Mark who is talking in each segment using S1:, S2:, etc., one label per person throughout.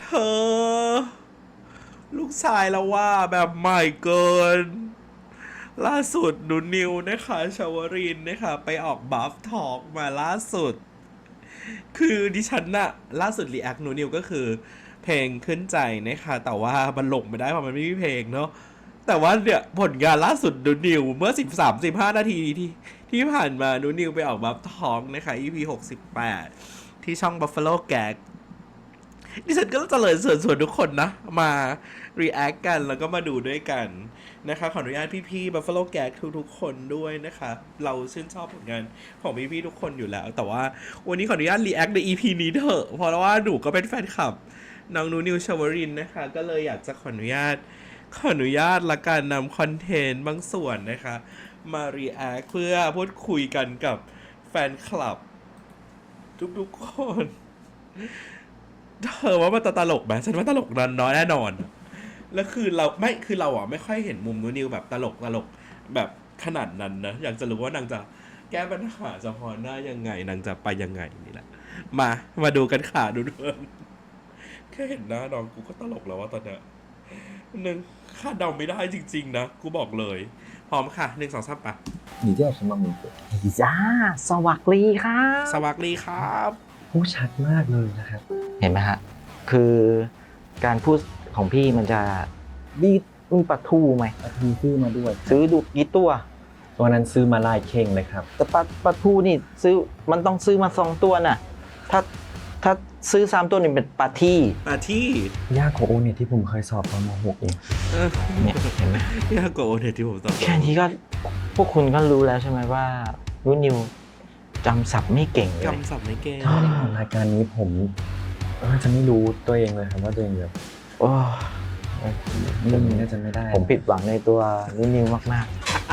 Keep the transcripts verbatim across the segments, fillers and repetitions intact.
S1: เธอลูกชายแล้วว่าแบบใหม่เกิน ล่าสุดหนูนิวนะคะชาวรินทร์นะคะไปออกบัฟทอกมาล่าสุด คือดิฉันน่ะล่าสุดรีแอคหนูนิวก็คือเพลงขึ้นใจนะคะแต่ว่ามันลงไม่ได้เพราะมันไม่มีเพลงเนาะแต่ว่าเนี่ยผลงานล่าสุดหนูนิวเมื่อสิบสามสิบห้านาทีที่ที่ผ่านมาหนูนิวไปออกบัฟทอกนะคะ อี พี หกสิบแปดที่ช่อง Buffalo Gag ดิฉันก็จะเลยเชิญชวนทุกคนนะมา react กันแล้วก็มาดูด้วยกันนะคะขออนุญาตพี่ๆ Buffalo Gag ทุกๆคนด้วยนะคะเราชื่นชอบผลงานของพี่ๆทุกคนอยู่แล้ว แต่ว่าวันนี้ขออนุญาต react ใน อี พี นี้เถอะเพราะว่าหนูก็เป็นแฟนคลับน้องนูนิวชวรินทร์นะคะก็เลยอยากจะขออนุญาตขออนุญาตละกันนำคอนเทนต์บางส่วนนะคะมา react เพื่อพูดคุยกันกับแฟนคลับทุกๆคนเธอว่ามันตลกไหมฉันว่าตลกน้อยแน่นอนแล้วคือเราไม่คือเราอ่ะไม่ค่อยเห็นมุมนูนิวแบบตลกตลกแบบขนาดนั้นนะอยากจะรู้ว่านางจะแก้ปัญหาเฉพาะหน้ายังไงนางจะไปยังไงนี่แหละมามาดูกันค่ะดูด้วยแค่เห็นหน้าน้องกูก็ตลกแล้วว่าตอนเนี้ยนึงคาดเดาไม่ได้จริงๆนะกูบอกเลยพร้อมค่ะหนึ่งสองสามปะ
S2: 你叫什么名字？
S3: จ้าสวัสดีครับ
S1: สวัสดีครับ
S2: พูดชัดมากเลยนะครับ
S3: เห็นไหมฮะคือการพูดของพี่มันจะบีมีปลาทูไหม
S2: อาทีซื้อมาด้วย
S3: ซื้อดูกี่ตัว
S2: ตัวนั้นซื้อมาลายเข่งเลยครับ
S3: แต่ปลาปลาทูนี่ซื้อมันต้องซื้อมาสองตัวน่ะถ้าถ้าซื้อสามตัวนี่เป็นปลาที่
S1: มาที่
S2: ยากกว่าโอเนี่ยที่ผมเคยสอบตอนม .หก เอง
S1: เออ
S3: เนี่ยเห็นไหม
S1: ยากกว่าโอเน็ตที่ผมตอบ
S3: แค่นี้ก็พวกคุณก็รู้แล้วใช่ไหมว่ารุ่นนิวจำศัพท์ไม่เก่งเลย
S1: จำศัพท์ไม่เก่ง
S2: ถ้าไม่ได้ผ่านรายการนี้ผมน่าจะไม่รู้ตัวเองเลยครับว่าตัวเองแบบ
S3: โอ้
S2: เรื่องนี้น่าจะไม่ได้
S3: ผมผิดหวังในตัวรุ่นนิวมาก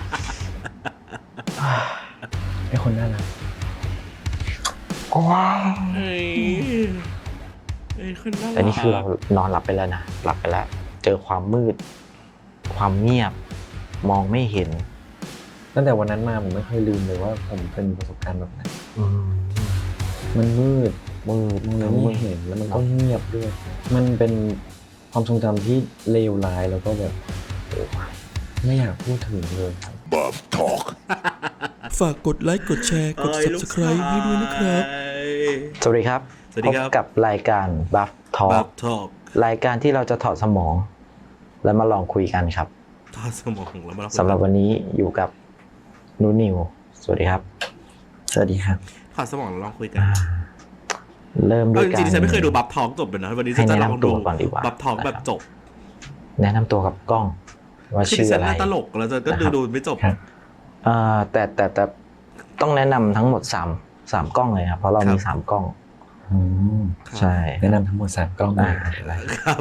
S2: ไอ้คนน่ารัก
S3: ๆว้าว
S1: เฮ้ยเอ้ยคนน่ารัก
S3: แต่นี่คือเรานอนหลับไปแล้วนะหลับไปแล้ว เจอความมืด ความเงียบ มองไม่เห็น
S2: ตั้งแต่วันนั้นมาผมไม่เคยลืมเลยว่าผมเป็นประสบการณ์แบบนั้นมันมืด
S3: มืด
S2: มองแล้วไม่เห็นแล้วมันก็เงียบด้วย มันเป็นความทรงจำที่เลวร้ายแล้วก็แบบไม่อยากพูดถึงเลยครับ
S4: ฝากกดไลค์กดแชร์กด
S1: เอ้ยลูก
S4: Subscribe ให้ด้วยนะครับ
S1: ชาย
S3: สวัสดีครับ
S1: สวัสดีครับ
S3: พบกับรายการ Buff
S1: บั
S3: Talk
S1: บทอก
S3: รายการที่เราจะถอดสมอง แล้วมาลองคุยกันครับ
S1: ทอดสมองแล้วมา
S3: สำหรับวันนี้อยู่กับนูนิว สวัสดีครับ
S2: สวัสดีครับ
S1: ทอดสมองแล้วลองคุยกัน
S3: อ่าเริ่มด้
S1: เอ
S3: ว
S1: อย จ
S3: การ
S1: ริงๆฉันไม่เคยดูบับทอกจบเลยนะวันนี้ฉันจะลองดู
S3: ให้แนะนำตัวก่อนดีกว่า
S1: บับทอกแบบจบ
S3: แนะนำตัวกับกล้อง ว่า
S1: คือ
S3: ชื่
S1: ดิ
S3: อ
S1: ฉัน
S3: อะไร
S1: น่าตลกแล้วจะก็ดูดูไม่จบ
S2: ครับ
S3: อ่าแต่แต่แต่ต้องแนะนำทั้งหมดสามสามกล้องเลยครับ เพราะเรามี
S1: ครับ
S3: สามกล้อง
S2: อืม
S3: ใช่
S2: แนะนำทั้งหมดสามกล้องเลย
S3: อ่า
S2: อะไร
S1: ครับ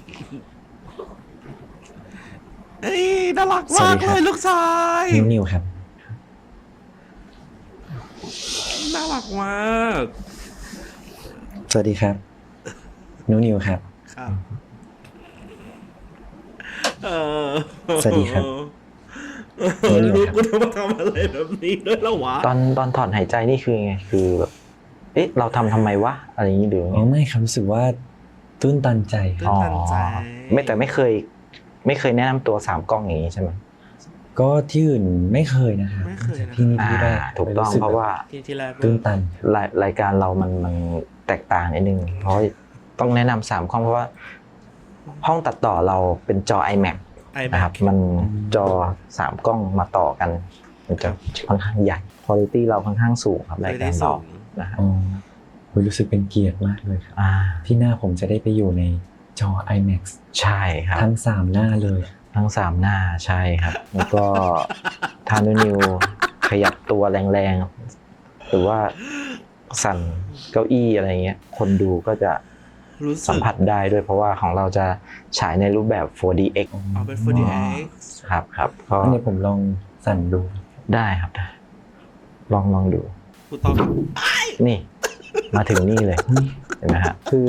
S1: เอ้ยน่ารัก
S2: สวั
S1: มา
S2: ส
S1: ก
S2: ดีค
S1: เล
S2: รับ
S1: ยลูกชาย
S2: นิวนิวครับ
S1: น่ารักมาก
S2: สวัสดีครับนิวนิวครับ
S1: ครับเออ
S2: สวัสดีครับ
S1: เออลูกกูต้องมาทำอะไรแบบนี้ด้วยแล้ววะ
S3: ตอนตอนถอนหายใจนี่คือไงคือแบบเอ๊ะเราทำทำไมวะอะไรอย่างนี้หรือ
S2: อ๋อไม่ครับรู้สึกว่าตื้นตันใจค
S1: ตื้
S2: รับ
S1: นตันใจ
S3: ไม่แต่ไม่เคย ไม่เคยแนะนำตัวสามกล้องอย่างนี้ใช่ไหม
S2: ก็ที่อื่นไม่เคยนะครับ
S1: ไม่เคยนะ
S2: ที่นี่
S3: อ่า
S2: ที่แรก
S3: ถูกต้อง
S2: สึ
S3: เพราะว่า
S1: ที่ที่แรก
S2: ตื้นตัน
S3: รายรายการเรามันมันแตกต่างนิดนึง เพราะต้องแนะนำสามกล้องเพราะว่า ห้องตัดต่อเราเป็นจอ iMac
S1: ไอแบ
S3: นะครับ
S1: บ
S3: มันจอสามกล้องมาต่อกัน มันจะค่อนข้างใหญ่คุณภาพเราค่อนข้างสูงครับรายการเรานะครับ
S2: อ๋อโหรู้สึกเป็นเกียรติมากเลยครับ
S3: อ่า
S2: ที่หน้าผมจะได้ไปอยู่ในจอ IMAX
S3: ใช่ครับ
S2: ทั้งสามหน้าเลย
S3: ทั้งสามหน้าใช่ครับ แล้วก็ทานุนิวขยับตัวแรงๆ หรือว่าสั่นเก้าอี้อะไรเงี้ย คนดูก็จะ
S1: รู้สึก
S3: สัมผัสได้ด้วยเพราะว่าของเราจะฉายในรูปแบบ โฟร์ ดี เอ็กซ์
S1: เอาเป็น โฟร์ ดี เอ็กซ์
S3: ครับครับก็
S2: อันนี้ผมลองสั่นดู
S3: ได้ครับได้ลองลองดู
S1: กูต้อง
S3: นี่ มาถึงนี่เลยเห็นไหมฮะคือ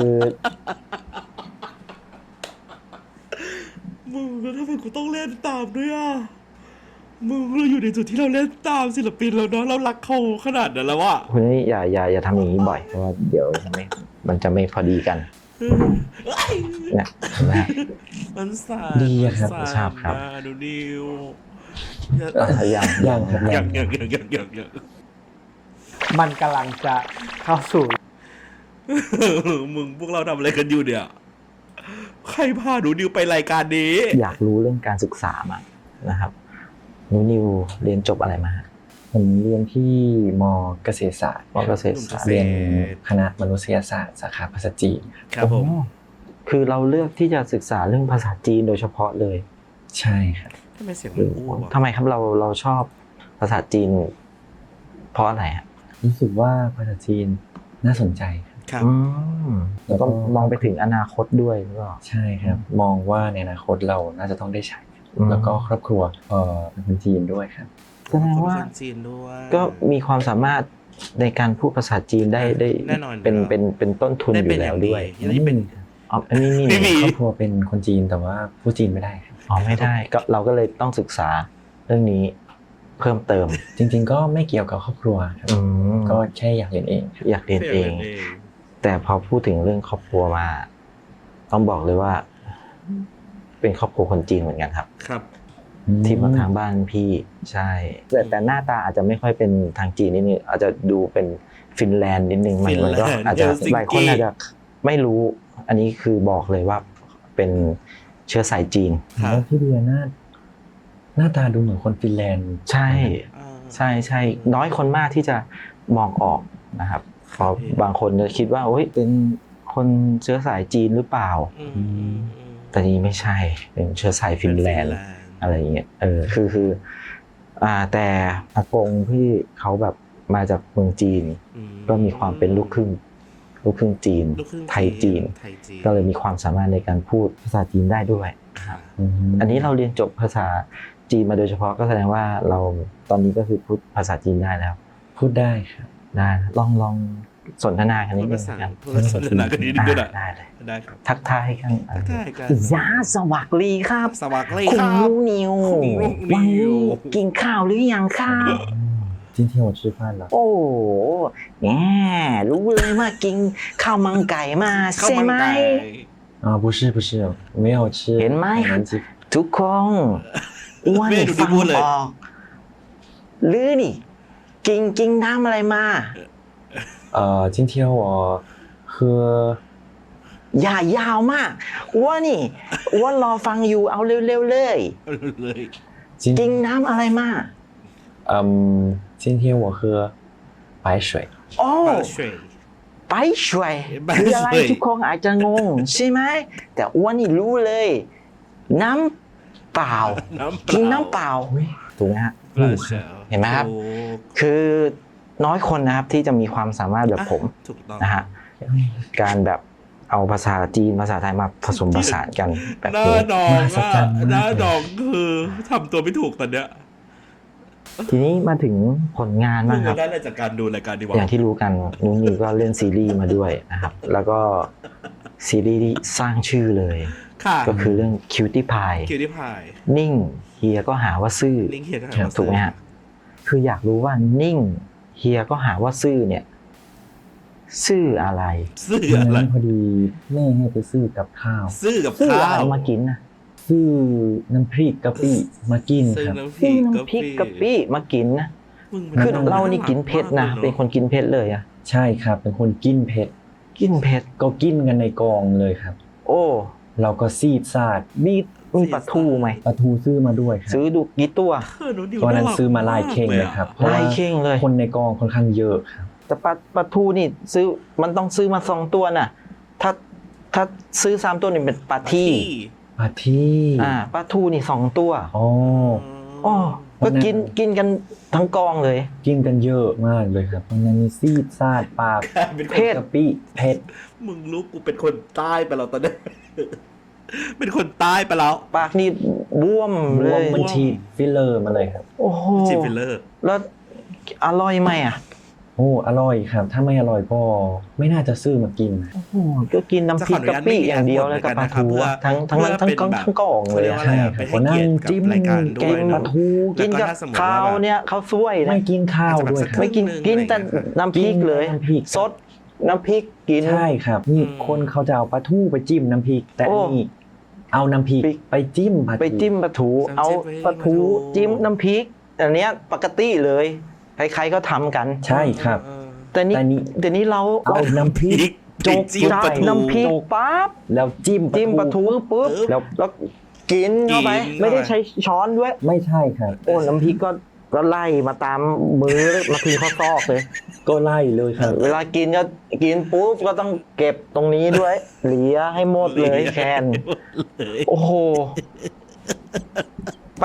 S1: มึงแล้วทำไมกูต้องเล่นตามด้วยอ่ะมึงเราอยู่ในจุดที่เราเล่นตามศิลปินแล้วเนาะเรารักเขาขนาดนั้นแล้วอ่ะ
S3: คุณนี่อย่าอย่าอย่าทำอย่างนี้บ่อยเพราะว่าเดี๋ยวไม่มันจะไม่พอดีกันเนี่ยเห็นไหมฮะ
S1: มันสาน
S2: ดีอะครับ
S1: มัน
S3: ชอบครับ
S1: นะหนูนิว
S3: อ่ะยัง
S2: ย่างครับ
S1: อย่า
S2: ย่าง ง
S1: อย่างอย่างอย่างอย่างอย่าง
S5: มันกำลังจะเข้าสู่
S1: มึงพวกเราทำอะไรกันอยู่เนี่ย ใครพาหนูนิวไปรายการนี้
S3: อยากรู้เรื่องการศึกษามานะครับนิวนิวเรียนจบอะไรมาฮะ
S2: ผมเรียนที่มเกษตรศาสตร์
S3: มอเกษตรศาสตร์
S2: เรียนคณะมนุษยศาสตร์สาขาภาษาจีน
S1: ครับผม
S3: โอ้คือเราเลือกที่จะศึกษาเรื่องภาษาจีนโดยเฉพาะเลย
S2: ใช่ครับ
S1: ทำไมเสียงมันอ้วก
S3: ทำไมครับเราเราชอบภาษาจีน เพราะอะไรฮะ
S2: รู้สึกว่าภาษาจีนน่าสนใจครับ
S1: ครับ
S3: อืม
S2: แล้
S3: แล้ว
S2: วก็
S3: ก็มองไปถึงอนาคตด้วยหรือเปล่า
S2: ใช่ครับ มองว่าในอนาคตเราน่าจะต้องได้ใช้
S3: อืม
S2: แล้วก็ครอบครัวเอ่อเป็นคนจีนด้วยครับ
S3: แสดงว่า
S1: คนจีนด้วย
S3: ก็มีความสามารถในการพูดภาษาจีนได้ได้
S1: แน่นอนอยู่
S3: เป็น
S1: แล้ว
S3: เป็นเป็นต้นทุน
S1: ได้
S3: อ
S1: เป็น
S3: ยู่
S1: อ
S3: แล้
S1: ย่าว ง
S3: ด้วย
S1: ดียังได้เป็น
S3: อ๋ออันนี้นี่
S1: ไม่มี
S2: ครอบครัวเป็นคนจีนแต่ว่าพูดจีนไม่ได้ครับ
S3: อ๋อไม่ได้ก็เราก็เลยต้องศึกษาเรื่องนี้เพิ่มเติม
S2: จริง ๆ ก็ไม่เกี่ยวกับครอบครัวครับ
S3: อืม
S2: ก็แค่อยากเรียนเองครับ
S3: อยากเรียนเอง แต่พอพูดถึงเรื่องครอบครัวมา ต้องบอกเลยว่า เป็นครอบครัวคนจีนเหมือนกันครับ
S1: ครับ
S3: ที่มาทางบ้านพี่ใช่ แต่แต่หน้าตาอาจจะไม่ค่อยเป็นทางจีนนิดนึงอาจจะดูเป็นฟินแลนด์นิดนึงมันมันก็
S1: ฟินแลนด์
S3: อาจจะ
S1: เฮลซิงกิ
S3: หลายคนอาจจะไม่รู้ อันนี้คือบอกเลยว่าเป็นเชื้อสายจีน
S1: ครับ
S2: แล้วพี่เดียหน้าหน้าตาดูเหมือนคนฟินแลนด์
S3: ใช่
S1: อ่า
S3: ใช่ใช่น้อยคนมากที่จะมองออกนะครับเพราะบางคนจะคิดว่าโอ้ยเป็นคนเชื้อสายจีนหรือเปล่า
S1: อืมอืมอืม
S3: แต่นี่ไม่ใช่เป็นเชื้อสายฟินแลนด์ อะไรอย่างเงี้ย เออ คือ คือ อ่า แต่อากงพี่เขาแบบมาจากเมืองจีน
S1: อื
S3: ก็มีความเป็นลูกครึ่ง ลูกครึ่งจีน
S1: ลูกครึ่ง
S3: ไทยจีน
S1: ไทยจีน
S3: ก็เลยมีความสามารถในการพูดภาษาจีนได้ด้วย
S1: ค่ะ
S2: ม
S3: อันนี้เราเรียนจบภาษาจีนมาโดยเฉพาะก็แสดงว่าเราตอนนี้ก็คือพูดภาษาจีนได้แล้ว
S2: พูดได้ครับ
S3: ได้ ลองลองสนทนากันนิ
S1: พู
S3: ด
S1: ด
S3: นึ
S1: ภาง ษา
S3: กัน
S1: พูดภาษาสนากันนิดนึงก็ได้
S3: ได้เลย
S1: ได้ครับ
S3: ทักทายกัน
S1: ทักทายกัน
S3: ยาสวัสดีครับ
S1: สวัสดี
S3: คุณ
S1: ครับ
S3: ลูกนิว
S1: คุณลูกนิว
S3: วันนี้กินข้าวหรือยังครับ
S2: 今天我吃饭了
S3: โอ้โหแหมรู้เลยว่ากินข้าวมังไก่มา
S1: ข้าว
S3: ใช่
S1: มัน
S3: ไหม
S1: ไก่
S2: 啊不是不是没有吃
S3: เห็นไหม
S2: 海南鸡
S3: ทุกคนอ้วน
S1: ไม่ดูดิ
S3: ฟัง
S1: พูดเลย
S3: ออกหรือนี่ กินกินน้ำอะไรมา
S2: 呃今天我喝
S3: อย่ายาวมากอ้วนนี่อ้วนรอฟังอยู่เอาเร็วๆเลย
S1: เลย
S2: 今
S3: กินน้ำอะไรมา
S2: 嗯今天我喝白水
S3: โอ้
S1: บาเฉย
S3: ไปช่วย
S1: ไป
S3: คืออะไร
S1: ช่วย
S3: ทุกคนอาจจะงง ใช่ไหม แต่อ้วนนี่รู้เลย น้ำเปล่า
S1: น้ำเป
S3: กิน
S1: ล่า
S3: น้ำเปล่าถูกไหมฮะ
S1: บาเฉย
S3: เห็นไหมครับ
S1: ถูก
S3: คือน้อยคนนะครับที่จะมีความสามารถแบบผม
S1: ถูกต้อง
S3: นะฮะการแบบเอาภาษาจีนภาษาไทยมาผสมผสานกันแบบ
S1: หน้า
S3: นี้
S1: ดอง
S2: มหัศ
S1: อะ
S2: จรรย์มาก
S1: หน้าดองคือทำตัวไม่ถูกตอนเนี้ย
S3: ทีนี้มาถึงผลงาน
S1: มึ
S3: บ้าง งค
S1: จะ
S3: รับ
S1: ได้อะไรจากการดูรายการดีวะ
S3: อย่างที่รู้กันนุ้งนิวก็เล่นซีรีส์มาด้วยนะครับ แล้วก็ซีรีส์ที่สร้างชื่อเลย
S1: ค่ะ
S3: ก็คือเรื่อง Cutie Pie
S1: คิวที่พาย
S3: นิ่งเฮียก็หาว่าซื่อ
S1: ลิงก์เฮียก็หาว่า
S3: ถูกไหมฮะ คืออยากรู้ว่านิ่งเฮียก็หาว่าซื่อเนี่ย ซื่ออะไร
S1: ซื้อ
S2: วัน
S1: อะไร
S2: นั้นพอดีแม่ให้ไปซื้อกับข้าว
S1: ซื้อกับ
S3: ซื่อ
S1: ข้า
S3: อะไร
S1: ว
S3: มากินนะ
S2: ซื้อน้ำพริกกะปิมากิน
S1: ซื้อ
S2: ครับ
S1: น้ำพริ
S3: ซื้อก น้ำพริกกะปิมากินนะ
S1: มึง
S3: คือ
S1: ป็
S3: เรานี่กินเผ็ดนะ
S1: มากลย
S3: เป็นคนกินเผ็ดเลยอะ
S2: ใช่ครับ เป็นคนกินเผ็ด
S3: กินเผ็ด
S2: ก็กินกันในกองเลยครับ
S3: โอ้
S2: เราก็ซีดซาด
S3: มีมีปลาทูไหม
S2: ปลาทูซื้อมาด้วยครับ
S3: ซื้อดูกี่ตัว
S1: เออหนูดิว
S2: ตอนนั้น
S1: ารัก
S2: ซื้อมาลายเข่งเลยครับเพราะ
S3: ลา
S2: ว่าย
S3: เข่งเลย
S2: คนในกองค่อนข้างเยอะครับ
S3: แต่ปลาปลาทูนี่ซื้อมันต้องซื้อมาสองตัวน่ะ ถ้าถ้าซื้อสามตัวนี่เป็นปลาที่
S2: ปลาที่
S3: อ่าปลาทูนี่สองตัว
S2: อ๋อ
S3: อ๋อก็กินกินกันทั้งกองเลย
S2: กินกันเยอะมากเลยครับตอนนั้นมีซีดซาดปาก
S1: เป็น
S3: เผ็ด
S2: กะปิเผ็ด
S1: มึงรู้กูเป็นคนใต้ไปแล้วตอนนี้ เป็นคนใต้ไปแล้ว
S3: ปากนี่บวม
S2: ร
S3: เล
S2: วม
S3: ย
S2: มันฉีดฟิลเลอร์มาเลยครับ
S3: โอ้โห
S1: จิฟิลเลอร์
S3: แล้วอร่อยไหมอ่ะ
S2: โอ้อร่อยครับ ถ้าไม่อร่อยก็ไม่น่าจะซื้อมากินนะ
S3: โอ้โหก็กินน้ำพริกกะปิอย่างเดียวเลยกับปลาทูอะทั้งทั้งนั้นทั้งกองทั้งกองเลย
S1: เรียก
S3: อะ
S1: ว่าอะไรอะเป็นให้เกียรติกับรายการด้
S3: กิ
S1: วย
S3: นป
S1: เน
S3: ลา
S1: อะ
S3: ทูกินกับ
S1: แล้วก็ถ้าสมมุติ
S3: ข้าว
S1: ว่าแบบ
S3: เนี่ยข้าวสวยนะ
S2: ไม่กินข้าวด้วยครับ
S3: ไม่กิน
S1: สักครึ่งหนึ่ง
S3: กินแต่
S1: อะไรอย่างเงี้ย
S3: น้ำพริกเลย
S2: กินแต่น้ำพริก
S3: สดน้ำพริกกิน
S2: ใช่ครับนี่คนเขาจะเอาปลาทูไปจิ้มน้ำพริก แต่
S3: โอ้
S2: นี่เอาน้ำพริก
S3: พริก
S2: ไปจิ้มปลาทู
S3: ไปจิ้มปลาทูเอาปลาทูจิ้มน้ำพริกอันเนี้ยปกติเลยใครๆก็ทำกัน
S2: ใช่ครับ
S1: เออ
S3: แต่นี่
S2: แต่นี่
S3: แต่นี่เรา
S2: เอาน้ำพริก
S1: จกจิ้มปลาทู
S3: น้ำพริกปั๊บ
S2: แล้วจิ้ม
S3: จิ้มปลาทูปุ๊บ
S2: แล้ว
S3: แล้วกินเข้าไป
S1: กิน
S3: ไม่ได้ใช้ช้อนด้วย
S2: ไม่ใช่ครับ
S3: โอ้น้ำพริกก็ก็ไล่มาตามมือมาถึงข้อซอกเลย
S2: ก็ไล่เลยครับ
S3: เวลากินก็กินปุ๊บก็ต้องเก็บตรงนี้ด้วยเหลียให้หมดเลยแคนโอ้โหไป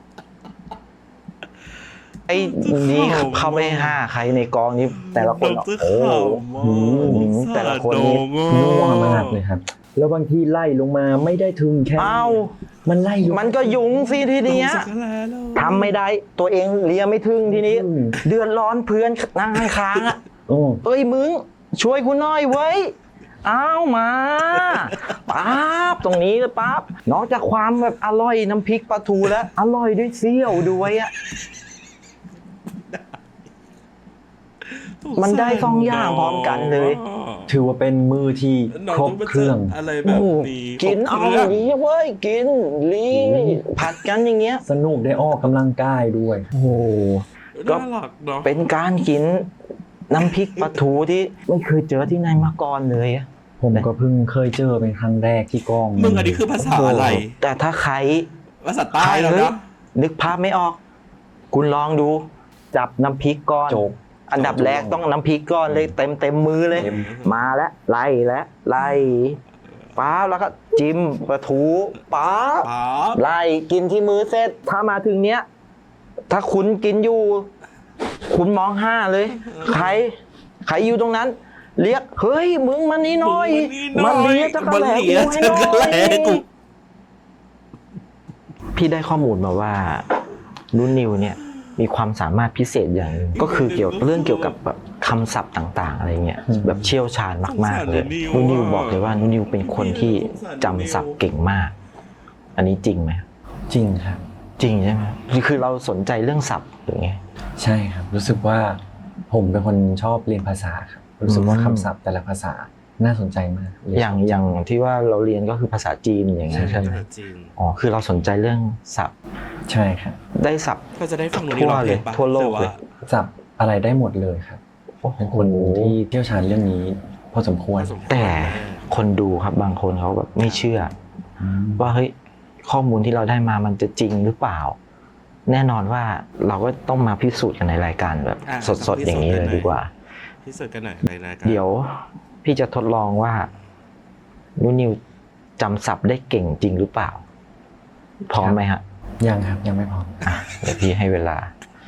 S3: ไอ้นี่เขาไม่ห้าใครในกองนี้แต่ละคน
S1: ดร
S3: โอ้โห
S1: ขำมาก
S3: อืมแต่ละคนนี่
S2: นัวมากเลยครับ แล้วบางทีไล่ลงมาไม่ได้ถึงแค่
S3: เอ้า
S2: มันไล่ลง
S3: มันก็ยุงสิทีเนี้ย
S1: ลงสักแล้วแล้ว
S3: ทำไม่ได้ตัวเองเลียไม่ถึงทีนี้
S2: อืม
S3: เดือดร้อนเพื่อนนั่งข้างๆอ่ะ
S2: โอ้
S3: เอ้ยมึงช่วยกูหน่อยเว้ยเอามาปั๊บตรงนี้เลยปั๊บนอกจากความแบบอร่อยน้ำพริกปลาทูแล้วอร่อยด้วยเซี่ยวด้วยอ่ะ มันได้สองอย่างพร้อมกันเลย
S2: ถือว่าเป็นมือที่
S1: น้อง
S2: ครบ
S1: ต้องมา
S2: เครื่อง
S1: จัดอะไรแบบนี้
S3: กินเอา
S1: ครบครื่ง
S3: ดีเว้ยกินลีผัดกันอย่างเงี้ย
S2: สนุกได้ออกกำลังกายด้วย
S3: โอ้โห ก็
S1: น่ารักเนาะ
S3: เป็นการกินน้ำพริกปลาทูที่ไม่เคยเจอที่ไหนมาก่อนเลยอะ
S2: ผมก็เพิ่งเคยเจอเป็นครั้งแรกที่กอง
S1: มึงอันนี้คือภาษาอะไร
S3: แต่ถ้าใคร
S1: ภาษาใต้แล้ว
S3: เฮ้ย
S1: นะ
S3: นึกภาพไม่ออก คุณลองดู จับน้ำพริกก้อน
S2: โจก
S3: อันดับแรกต้องน้ำพริกก้อนเลยเต็มเต็มมือเลย
S2: เต็ม
S3: มาแล้วไล่แล้วไล่ป๊าบแล้วก็จิ้มปลาทูป๊าบ
S1: ป๊าบ
S3: ไล่กินที่มือเสร็จถ้ามาถึงเนี้ย ถ้าคุณกินอยู่ คุณมองห้าเลย ใคร ใครอยู่ตรงนั้น เรียกเฮ้ยมึงมานี่หน่อย
S1: มึง
S3: มา
S1: มานี่
S3: เลีย
S1: หน่
S3: จั
S1: อย
S3: กรแหล
S1: มาเลีย
S3: กูให้หน่
S1: จักรแหล
S3: อย
S1: กู
S3: พี่ได้ข้อมูลมาว่านุ่นนิวเนี่ยมีความสามารถพิเศษอย่างหนึงก็คือเกี่ยวเรื่องเกี่ยวกับแบบคำศัพท์ต่างๆอะไรเงี้ยแบบเชี่ยวชาญมากๆเลยนุ่นนิวบอกเลยว่านุ่นนิวเป็นคนที่จำศัพท์เก่งมาก อันนี้จริงไหม
S2: จริงครับ
S3: จริงใช่ไหมคือเราสนใจเรื่องศัพท์หรือไง
S2: ใช่ครับ รู้สึกว่าผมเป็นคนชอบเรียนภาษาครับ รู้สึกว่า
S3: อืม
S2: คำศัพท์แต่ละภาษาน่าสนใจมากเล
S3: อย่างอย่างที่ว่าเราเรียนก็คือภาษาจีนอย่างเงี้ยใช่ไหม
S1: จริง
S3: อ๋อคือเราสนใจเรื่องศัพท์
S2: ใช่ครับ
S3: ได้ศัพท์
S1: ก็จะได้ฟังวัน
S3: ทั่
S1: นี้
S3: ว
S1: เรา
S3: เลย
S1: ปะ
S3: ทั่วโลกเลย
S1: แต่า
S2: จับอะไรได้หมดเลยครับ
S3: โอ้โห
S2: เป็นคนที่เชี่ยวชาญเรื่องนี้พอสมควร
S1: ผสมควร
S3: แต่คนดูครับบางคนเขาแบบไม่เชื่อ ว่าเฮ้ยข้อมูลที่เราได้มามันจะจริงหรือเปล่า แน่นอนว่าเราก็ต้องมาพิสูจน์กันในรายการแบบ
S1: อ่ะ
S3: สดๆอย่างนี้เลยดีกว่า
S1: พิสูจน์กันหน่อยเลยนะครั
S3: เดี๋ยวพี่จะทดลองว่านุนิวจำศัพท์ได้เก่งจริงหรือเปล่า พร้อมไหมฮะ
S2: ยังครับยังไม่พร้อม
S3: อ่ะเดี๋ยวพี่ให้เวลา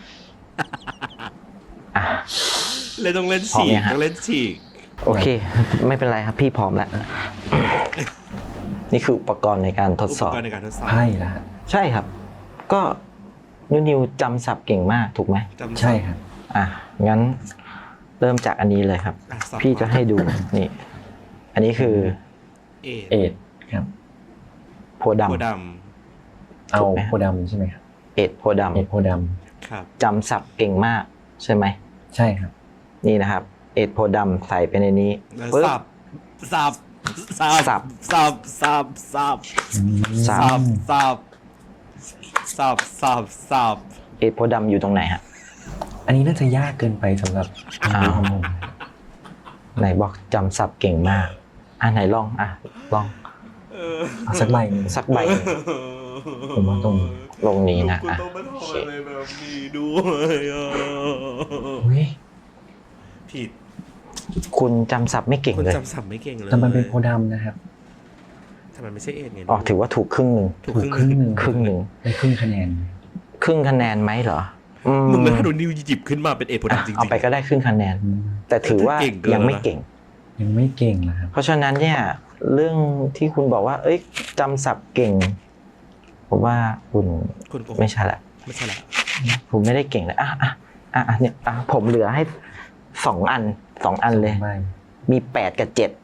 S3: อ่ะ
S1: เลยต้องเล่น
S3: พร้อม
S1: ฉีก
S3: ยังฮะ
S1: ต้องเล่นฉีก
S3: โอเค ไม่เป็นไรครับพี่พร้อมแล้ว นี่คืออุปกรณ์ในการทด
S1: อุ
S3: ส
S1: ป
S3: อบ
S1: กรณ์ในการทดสอบ
S2: ไพ่ละฮะ
S3: ใช่ครับ ก็นุนิวจำศัพท์เก่งมากถูกไหม
S1: จำ
S2: ใช่ครับ
S3: อ่ะงั้นเริ่มจากอันนี้เลยครับ
S1: อ่ะสับ
S3: พี่จะให้ดูนี่ อันนี้คือ
S1: เอ
S2: เอ็ดครับ
S3: โพธิ์
S1: หัว
S3: ดำ
S1: ด
S2: เอา
S3: ถูกไหม
S2: โพธิ์ดำใช่ไหมครับ
S3: เอ็ดโพธิ์ด
S2: เอ็ดโพธิ์ด
S1: ำครับ
S3: ำจำศัพท์เก่งมากใช่ไหม
S2: ำใช่ครับ
S3: นี่นะครับ เอ็ดโพธิ์ดำใส่ไปในนี้
S1: แล้ว
S3: ปึ๊บ
S1: สับสับสับ
S3: สับ
S1: สับสับสับ
S3: สั
S1: สั
S3: บ
S1: บสับสับสับสับ
S3: เอ็ดโพธิ์ดำอยู่ตรงไหนฮะ
S2: อันนี้น่าจะยากเกินไปสำหรับ
S3: อ้าว
S2: ของผม
S3: ไหนบอกจำศัพท์เก่งมากอ่ะไหนลองอ่ะลอง
S1: เออ
S2: เอาสักใบหนึ่ง
S3: สักใบหนึ่ง
S2: ผมว่าตรง
S3: ลงนี้นะ
S1: กู
S3: อ่ะ
S1: ต้องมา
S3: โอ
S1: ทำ
S3: เค
S1: อะไรแบบนี้ด้วยอ่ะ
S2: อุ้ย
S1: ผิด
S3: คุณจำศัพท์ไม่เก่ง
S1: คุณ
S3: เลย
S1: จำสับไม่เก่งเลย
S2: แต่มันเป็นโพธิ์ดำนะครับ
S1: ทำไมไม่ใช่เอ็ดไง
S3: อ๋อถือว่าถูกครึ่งหนึ่ง
S1: ถูก
S2: ถูก
S1: ค
S2: ค
S1: รึ่
S2: รึ่
S1: ง
S2: ง
S1: ห
S2: ห
S1: นึ่ง
S2: นึ่ง
S3: ครึ่งหนึ่ง
S2: ได้ครึ่งคะแนน
S3: ครึ่งคะแนนไหมเหรออื
S1: มึงไม่ถ้าโดนนิวหยิบขึ้นมาเป็นเอ็ดโพธิ์
S3: อ่ะ
S1: ดำจริงๆ
S3: เอาไปก็ได้ครึ่งคะแนน
S2: อืม
S3: แต่ถือว่า
S1: เก่งเกิน
S3: ยังไม่
S1: แล้วนะ
S3: เก่ง
S2: ยังไม่เก่งนะครับ
S3: เพราะฉะนั้นเนี่ยเรื่องที่คุณบอกว่า เอ้ยจำศัพท์เก่ง ผมว่าคุณ
S1: คุณโกหก
S3: ไม่ใช่ละ
S1: ไม่ใช่ละ
S3: ผมไม่ได้เก่งเลยอ่ะอ่ะอ่ะอ่ะเนี่ยอ่ะผมเหลือให้สองอันสองอันเลย
S2: ไม่
S3: มีแปดกับเจ็ด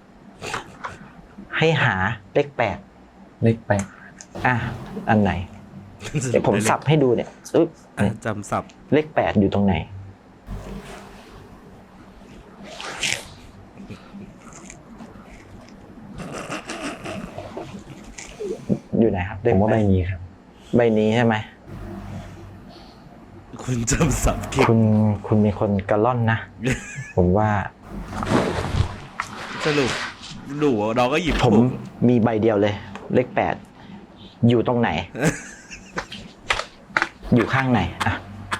S3: ให้หาเลขแปด
S2: เล็กไป
S3: อ่ะอันไหนเดี๋ยวผมสับให้ดูเนี่ยอึ๊บ
S1: อ่ะ
S3: เนี่ย
S1: จำสับ
S3: เลขแปดอยู่ตรงไหนอยู่ไหนครับ
S2: ผมว่าใบนี้ครับ
S3: ใบนี้ใช่ไหม
S1: คุณจำสับเก่ง
S3: คุณคุณมีคนกระล่อนนะ ผมว่า
S1: สรุปหนูเราก็หยิบ
S3: ผม
S1: ถูก
S3: มีใบเดียวเลย เลขแปดอยู่ตรงไหน อยู่ข้างไหนอ่ะ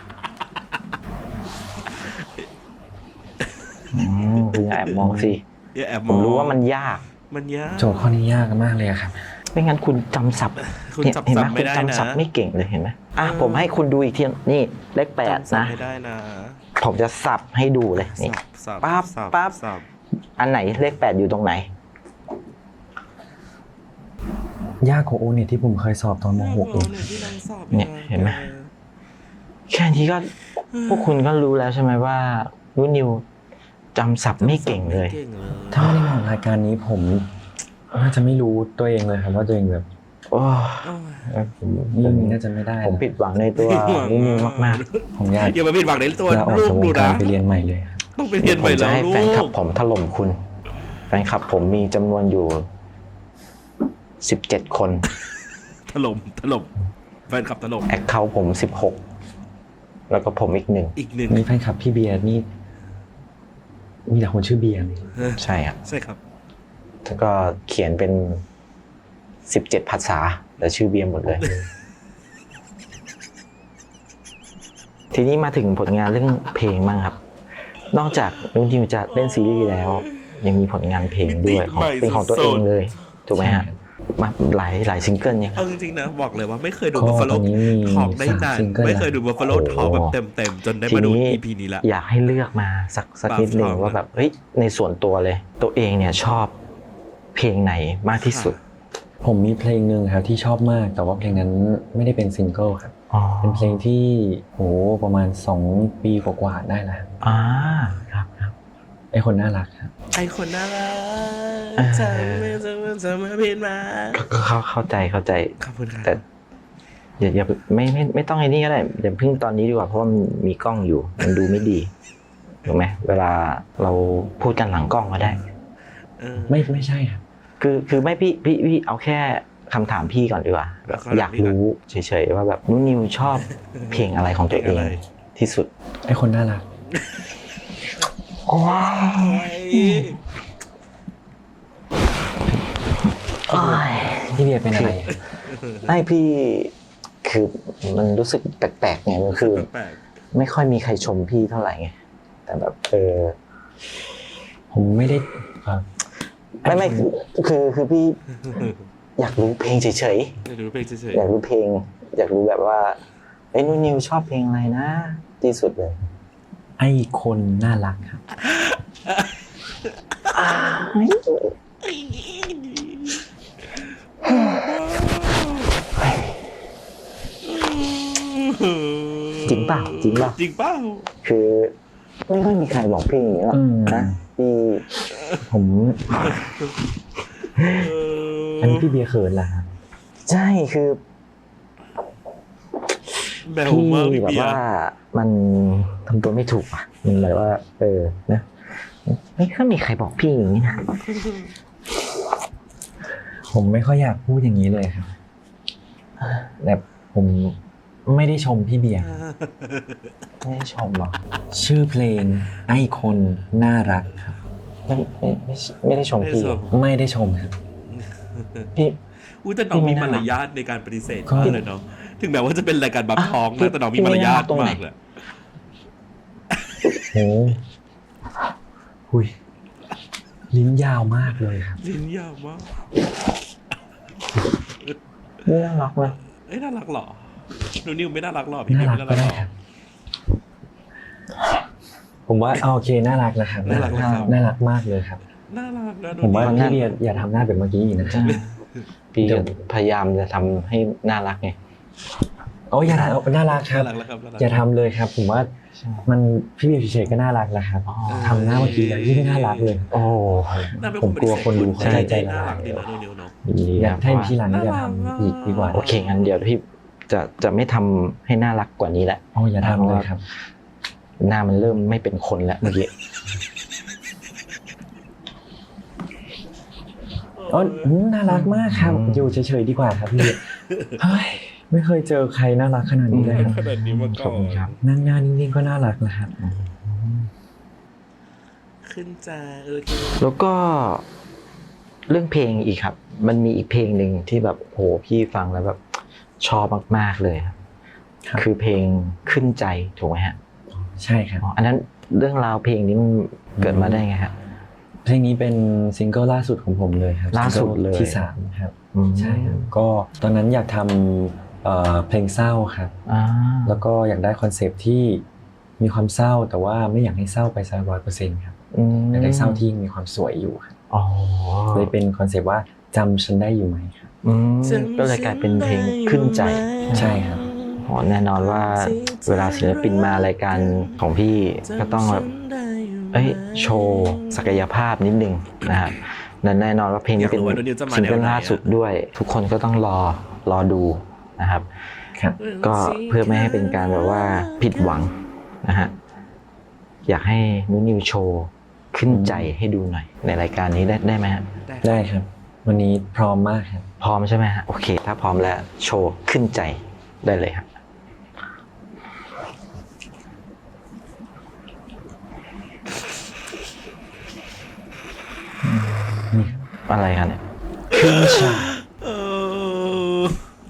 S3: อืมคุณอย่าแอบมองสิ
S1: อย่าแอบ
S3: ผม
S1: อง
S3: รู้ว่ามันยาก
S1: มันยาก
S2: โจทย์ข้อนี้ยากมากเลยอะครับ
S3: ไม่งั้นคุณจำศัพท์
S1: คุณ
S3: เห็น
S1: จำ
S3: เห็นไหม
S1: ศัพท์ไม่
S3: คุณ
S1: ได้นะ
S3: จำศัพท์ไม่เก่งเลยเห็นไหมอ่ะ
S1: เออ
S3: ผมให้คุณดูอีกทีนี่เลขแปด
S1: จำสับ
S3: นะ
S1: ไม่ได้นะ
S3: ผมจะสับให้ดูเลยนี่
S1: สับ
S3: ปั๊บ
S1: สั
S3: ปั๊บ
S1: สับ
S3: อันไหนเลขแปดอยู่ตรงไหน
S2: ยากกว่าโอเนี่ยที่ผมเคยสอบตอนม .หก เอง
S1: เนี่ยที่นางสอบ
S3: เนี่ยเห็นไหม แค่นี้ก็พวกคุณก็รู้แล้วใช่ไหมว่านุนิวจำศัพท์ไม่เก่งเลย
S1: ไม่เก่งเลย
S2: ถ้าไม่ได้มองรายการนี้ผมน่าจะไม่รู้ตัวเองเลยครับว่าตัวเองแบบ
S3: โอ้
S1: โอ้ย
S2: เออผมเรื่องนี้น่าจะไม่ได้
S3: ผมผิดหวังในตัวนุนิวมาก
S2: ผมอยาก
S1: อย่ามาผิดหวังในตัว
S2: ลาออก
S1: ลูก
S2: จากว
S1: ดู
S2: งการ
S1: นะ
S2: ไปเรียนใหม่เลยครับ
S1: ต้องไป
S3: ๆ
S1: เรียนให
S3: ผ
S1: ม่
S3: มจะ
S1: แล้ว
S3: ให้
S1: ลู
S3: แฟนคลับ
S1: ก
S3: ผมถล่มคุณ แฟนคลับผมมีจำนวนอยู่สิบเจ็ดคน
S1: ถล่มถล่มแฟนคลับถล่ม
S3: แอคเคาท์ผมสิบหกแล้วก็ผมอีกหนึ่ง
S1: อีกหนึ่ง
S2: นี่แฟนคลับพี่เบียร์นี่มีแต่คนชื่อเบียร์นี่
S3: ใช่ครับ
S1: ใช่ครับ
S3: แล้วก็เขียนเป็นสิบเจ็ดภาษาแต่ชื่อเบียร์หมดเลย ทีนี้มาถึงผลงานเรื่องเพลงบ้างครับ นอกจากนุนิวจะเล่นซีรีส์แล้ว ยังมีผลงานเพลงด้วยของเป็นของตัวเองเลยถูกไหมฮะมาหลายหลายซิงเกิลเนี่ยค
S1: เอา
S3: รับ
S1: จริงๆนะบอกเลยว่าไม่เคยดู
S2: ก็
S1: Buffalo
S2: ตอนนี้มี
S1: Talk ได้
S2: สาม
S1: นาน
S2: ซิงเกิล
S1: ไม่เคยดู
S2: แล้ว
S1: Buffalo Talk แบบเต็มๆจนได้มาดู อี พี นี้ละ
S3: อยากให้เลือกมาสักสักนิดหนึ่ง
S1: Buff Talk
S3: ว่าแบบเฮ้ยในส่วนตัวเลย ตัวเองเนี่ยชอบเพลงไหนมากที่สุด
S2: ผมมีเพลงหนึ่งครับที่ชอบมาก แต่ว่าเพลงนั้นไม่ได้เป็นซิงเกิลครับ
S3: อ๋อ
S2: เป็นเพลงที่โหประมาณสองปีกว่าๆได้แล้วครับ
S3: อ่าครับครับ
S2: ไอคนน่ารักครับ
S1: ไอคนน่ารั
S3: เออ
S1: กจะไม่จะไม่จะไม่ผิดมา
S3: ก็เข้าเข้าใจเข้าใจ
S1: ขอบคุณครับ
S3: แต่อย่าอย่าไม่ไม่ไม่ต้องไอ้นี่ก็ได้อย่าเพิ่งตอนนี้ดีกว่าเพราะว่ามันมีกล้องอยู่ มันดูไม่ดีถูกไหมเวลาเราพูดกันหลังกล้องก็ได้
S1: เออ
S2: ไม่ไม่ใช่ครับ
S3: คือคือไม่พี่พี่พี่เอาแค่คำถามพี่ก่อนดีกว่าแบบ
S1: เอาคำถาม
S3: อยาก
S1: พี่ก่อน
S3: รู้เฉยๆว่าแบบนุนิวชอบเพลงอะไรของตัวเอง
S1: เพลงอะไร
S3: ที่สุด
S2: ไอคนน่ารัก
S3: ว้าว
S2: พี่เบียร์เป็นอะไร
S3: ไม่พี่คือมันรู้สึกแปลกๆไงมันคือ
S1: แปลก
S3: ไม่ค่อยมีใครชมพี่เท่าไหร่ไงแต่แบบเออ
S2: ผมไม่ได้เอ่อ
S3: ไม่ไม่คือคือคือพี่อยากรู้เพลงเฉย
S1: ๆเดี๋ยวดูเพลงเฉย
S3: ๆอยากรู้เพลง อยากรู้แบบว่าไอ้ยนุนิวชอบเพลงอะไรนะที่สุดเลย
S2: ไอคนน่ารักครับ
S1: ๆ
S3: จริงเปล่าจริงเปล่า
S1: จริงเปล่า
S3: คือไม่ค่อยมีใครบอกเพลงอย่างนี้หรอก
S2: อืม
S3: นะที่
S2: ผม
S1: เออ
S2: อันนี้พี่เบียร์เขินเหรอครับ
S3: ใช่คือ
S1: แบว
S3: พี่
S1: มากพี่
S3: แบบ
S1: เบียร์
S3: ว่ามันทำตัวไม่ถูกอ่ะมันแบบว่า เออนะไม่ค่อยมีใครบอกพี่อย่างนี้นะ
S2: ผมไม่ค่อยอยากพูดอย่างนี้เลยครับแต่ผมไม่ได้ชมพี่เบียร์
S3: ไม่ได้ชมหรอก
S2: ชื่อเพลงไอคนน่ารักครับ
S3: ไม่ไม่ไม่ไม่ได้ชมพี่
S2: ไม่ได้ชมครับ
S3: พี่
S1: อุ้ยแต่น้อง
S3: พี่ไม่
S1: มี
S3: น่ารั
S1: มาก รยาทในการปฏิเสธ
S2: ก็
S1: มากเลยเนาะถึงแม้ว่าจะเป็นรายการบัฟท้อง
S3: พี่
S1: นะแต่น้องมี
S3: พี่
S1: มารยาท
S3: ไม่น่ารักตรงไหน
S1: มากเลย
S2: โอ้หุยลิ้นยาวมากเลยครับ
S1: ลิ้นยาวมาก
S3: ไม่น่ารักเลย
S1: เอ้ยน่ารักเหรอหนูนิวไม่น่ารักหรอพี่
S2: น่า
S1: นิว
S2: รัก
S1: ไม่น่า
S2: ก็
S1: รัก
S2: ได้
S1: หรอ
S2: ครับ ผมว่าเอาโอเคน่ารักนะครับ
S1: น่ารักนะครับ
S2: น่ารักมากเลยครับ
S1: น่ารักนะหนู
S2: ผมว่า
S1: นิว
S2: พี่เบียร์อย่าทำหน้าแบบเมื่อกี้อีกนะครับ
S3: พี่
S2: เดี๋ยว
S3: พยายามจะทำให้น่ารักไง
S2: โอ้อย่าทำน่ารักค
S1: น่า
S2: รับ
S1: รักแล้วครับน่ารัก
S2: อย่าทำเลยครับ ผมว่ามันพี่เบียร์เฉยๆก็น่ารักแล้วครับ
S3: อ๋อ
S2: ทำหน้าเมื่อกี้แล้วยิ่งน่ารักเลย
S3: โอ้
S1: น่าเป็น
S2: ผมกลัวคนดู
S1: ปฏิ
S2: เขา
S1: เสธ
S2: ใจ
S1: น่า
S2: ละ
S1: รั
S2: ลาก ย
S1: ดีนะหนูนิวเนาะ
S3: ยินดี
S2: อยากให้
S3: เพราะว่า
S2: ทีหลังอย่าทำอีกดีกว่า
S3: โอเคงั้นเดี๋ยวพี่จะจะไม่ทำให้น่ารักกว่านี้แล้ว
S2: โอ้อย่าทำเลยครับ
S3: หน้ามันเริ่มไม่เป็นคนแล้วเมื่อกี้
S2: อ๋อน่ารักมากครับ
S3: อืม
S2: อยู่เฉยๆดีกว่าครับพี่เฮ้ยไม่เคยเจอใครน่ารักขนาดนี้เลยครับ
S1: ขนาดนี้มา
S3: ข
S1: ก่
S3: อ
S1: อบ
S3: คุณครับ
S1: น
S2: นั่งหน้านิ่งๆก็น่ารักนะครับ
S1: ขึ้นจ้าโอเค
S3: แล้วก็เรื่องเพลงอีกครับ มันมีอีกเพลงหนึ่งที่แบบโหพี่ฟังแล้วแบบชอบมากๆเลยครับ
S2: ครับ
S3: คือเพลงขึ้นใจถูกไหมฮะ
S2: ใช่ครับ
S3: อ๋ออันนั้นเรื่องราวเพลงนี้มันเกิดมาได้ไงฮะ
S2: เพลงนี้เป็นซิงเกิลล่าสุดของผมเลยครับ
S3: ล่าสุดเลย
S2: ซิงกิที่สามครับ
S3: อืม
S2: ใช่ครับก็ตอนนั้นอยากทำเอ่อเพลงเศร้าครับ
S3: อ่า
S2: แล้วก็อยากได้คอนเซปต์ที่มีความเศร้าแต่ว่าไม่อยากให้เศร้าไปซะร้อยเปอร์เซ็นต์ครับ
S3: อืม
S2: อยากได้เศร้าที่ยังมีความสวยอยู่ครับ
S3: อ๋อ
S2: เลยเป็นคอนเซปต์ว่าจำฉันได้อยู่ไหมครับ
S3: อืมก็เลยกลายเป็นเพลงขึ้นใจ
S2: ใช่ครับ
S3: อ๋อแน่นอนว่าเวลาศิลปินมารายการของพี่ก็ต้องแบบเอ้ยโชว์ศักยภาพนิดนึงนะครับและแน่นอนว่าเพลงนี้เป็น
S1: อยากรู้ว่านูนิวจะมา
S3: ซิงเกิล
S1: แนวไหนอะ
S3: ล่าสุดด้วย ทุกคนก็ต้องรอรอดูนะครับ
S2: ครับ
S3: ก็เพื่อไม่ให้เป็นการแบบว่าผิดหวังนะฮะอยากให้นุนิวโชว์ขึ้นใจให้ดูหน่อย ในรายการนี้ได้ได้ไหมฮะ
S2: ได้ครับ วันนี้พร้อมมากครับ
S3: พร้อมใช่ไหมฮะโอเค ถ้าพร้อมแล้วโชว์ขึ้นใจได้เลยครับอะไรครับเนี่ย
S2: ขึ้นฉาก
S1: เออ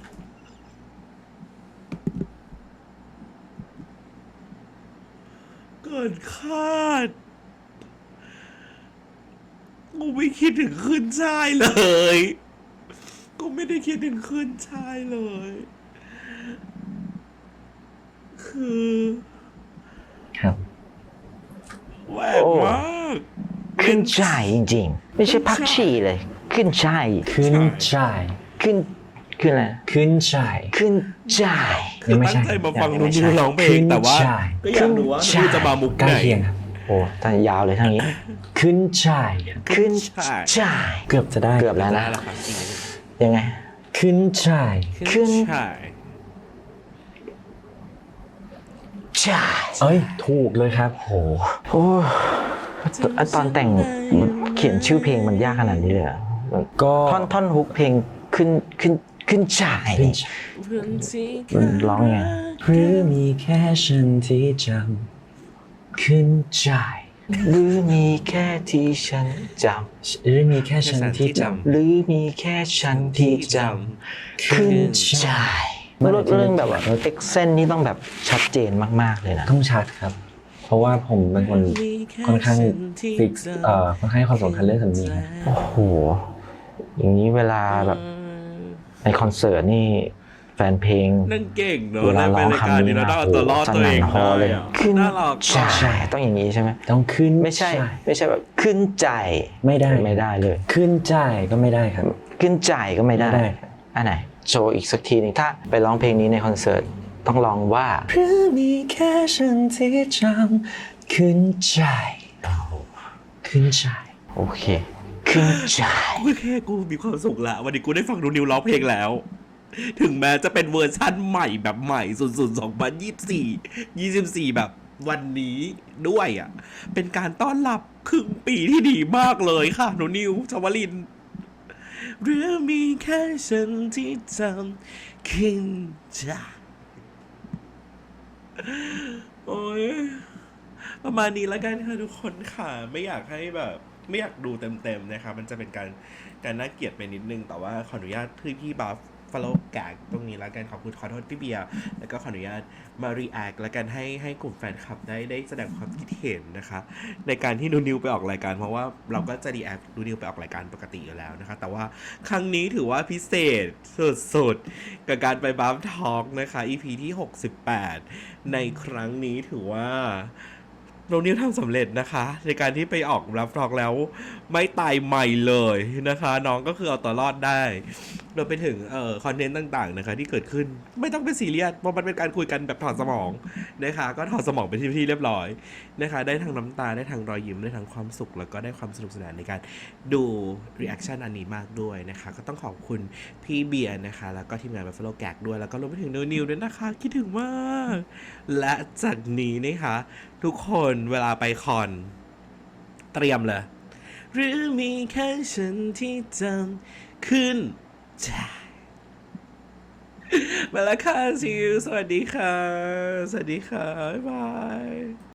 S1: เกินคาดกูไม่คิดถึงขึ้นชายเลยกูไม่ได้คิดถึงขึ้นชายเลย คือ
S2: ครับ
S1: แหวกมาก
S3: ขึ้นใจจริงๆ ไม่ใช่พักชีเลย ขึ้นใจ
S2: ขึ้นฉาก
S3: ขึ้นขึ้นอะไร
S2: ขึ้นฉาก
S3: ขึ้นใจ
S1: คือตั้งใจมาฟังนุ่นนิวร้องเพลงแต่ว่า
S2: ขึ้นชาย
S1: ก็อยากรู้ว่านุ่นจะมามุก
S2: ใกล้
S1: ไหน
S2: เคียงครับ
S3: โอ้ท่านยาวเลยทั้งนี้
S2: ขึ้นฉาก
S3: ขึ้นใจ
S2: เกือบจะได้
S3: เกือบแล้วนะ
S1: ได้แล้วครับจริง
S3: ยังไง
S2: ขึ้นฉาก
S1: ๆ
S3: ขึ้น
S1: ใช่
S3: ใจ
S2: เอ้ยถูกเลยครับโห
S3: โอ้ตตอนแต่งเขียนชื่อเพลงมันยากขนาดนี้เลยเหรอ
S2: ก็
S3: ท่อนท่อนฮุกเพลงขึ้นขึ้นขึ้นใจ
S2: ขึ้น
S3: นี่
S2: ฉาก
S3: มันร้องยังไง
S2: หรือมีแค่ฉันที่จำขึ้นใจ
S3: หรือมีแค่ที่ฉันจ
S2: หรือมีแค่ฉันที่จ
S3: ำหรือมีแค่ฉันที่จำขึ้นใจเรื่องเรื่องแบบว่าเอ็กเซนนี่ต้องแบบชัดเจนมากๆเลยนะ
S2: ำต้องชัดครับ เพราะว่าผมเป็นคนค่อนข้างฟิกเอ่อค่อนข้างให้ความสำคัญเรื่องสำเนียง
S3: โอ้โห อย่างนี้เวลาแบบในคอนเสิร์ตนี่แฟนเพลง
S1: นั่งเก่งเนอะ
S3: เวลา
S1: ใน
S3: ร้อง
S1: รายการ
S3: คำ
S1: นี้
S3: นี้
S1: เรา
S3: นะ
S1: ต้องเอาตัวรอด
S3: ส
S1: ตัวเอ
S3: นั่น
S1: ง
S3: ฮอเลย
S1: ได้อะ
S3: ขึ้น
S1: น่ารัก
S3: ใช่ต้องอย่างนี้ใช่ไหม
S2: ต้องขึ้น
S3: ไม่ใช่
S2: ใจ
S3: ไม่ใช่แบบขึ้นใจ
S2: ไม่ได้
S3: ไม่ได้เลย
S2: ขึ้นใจก็ไม่ได้ครับ
S3: ขึ้นใจก็ไม่ได้
S2: ไม่ได้
S3: อันไหนโชว์อีกสักทีหนึงถ้าไปร้องเพลงนี้ในคอนเสิร์ตต้องร้องว่า
S2: หรือมีแค่ฉันที่จำขึ้นใจขึ้นใจ
S3: โอเค ขึ้นใจ
S1: กูแค่กูมีความสุขละวันนี้กูได้ฟังนูนิวร้องเพลงแล้ว ถึงแม้จะเป็นเวอร์ชั่นใหม่แบบใหม่สุดๆสองพันยี่สิบสี่ ยี่สิบสี่แบบวันนี้ด้วยอ่ะ เป็นการต้อนรับครึ่งปีที่ดีมากเลยค่ะนูนิวชวลินหรือมีแค่ฉันที่จำขึ้นใจโอ้ยประมาณนี้แล้วกันค่ะทุกคนค่ะไม่อยากให้แบบ ไม่อยากดูเต็มๆนะครับมันจะเป็นการการน่าเกลียดไปนิดนึงแต่ว่าขออนุญาตพี่พี่บัฟฟอลโล่แกกตรงนี้แล้วกันขอบคุณขอโทษพี่เบียร์แล้วก็ขออนุญาตมารีแอคแล้วกันให้ให้กลุ่มแฟนคลับได้ได้แสดงความคิดเห็นนะคะในการที่นูนิวไปออกรายการเพราะว่าเราก็จะรีแอคนูนิวไปออกรายการปกติอยู่แล้วนะคะแต่ว่าครั้งนี้ถือว่าพิเศษสุดๆกับการไปบัฟทอล์กนะคะ อี พี ที่หกสิบแปดในครั้งนี้ถือว่าโนนิวทำสำเร็จนะคะในการที่ไปออกรับรองแล้วไม่ตายใหม่เลยนะคะน้องก็คือเอาตัวรอดได้รวมไปถึงเอ่อคอนเทนต์ต่างๆนะคะที่เกิดขึ้นไม่ต้องเป็นซีเรียสเพราะมันเป็นการคุยกันแบบถอดสมองนะคะก็ถอดสมองไปที่ที่เรียบร้อยนะคะได้ทั้งน้ำตาได้ทั้งรอยยิ้มได้ทั้งความสุขแล้วก็ได้ความสนุกสนานในการดูรีแอคชั่นอันนี้มากด้วยนะคะก็ต้องขอบคุณพี่เบียร์นะคะแล้วก็ทีมงาน Buffalo Gag ด้วยแล้วก็รวมไปถึงนิวๆด้วยนะคะคิดถึงมากและจากนี้นะคะทุกคนเวลาไปคอนเตรียมเลยหรือมีแค่ฉันที่จำขึ้นใจมาแล้วค่ะซิวสวัสดีค่ะ สวัสดีค่ะ บ๊ายบาย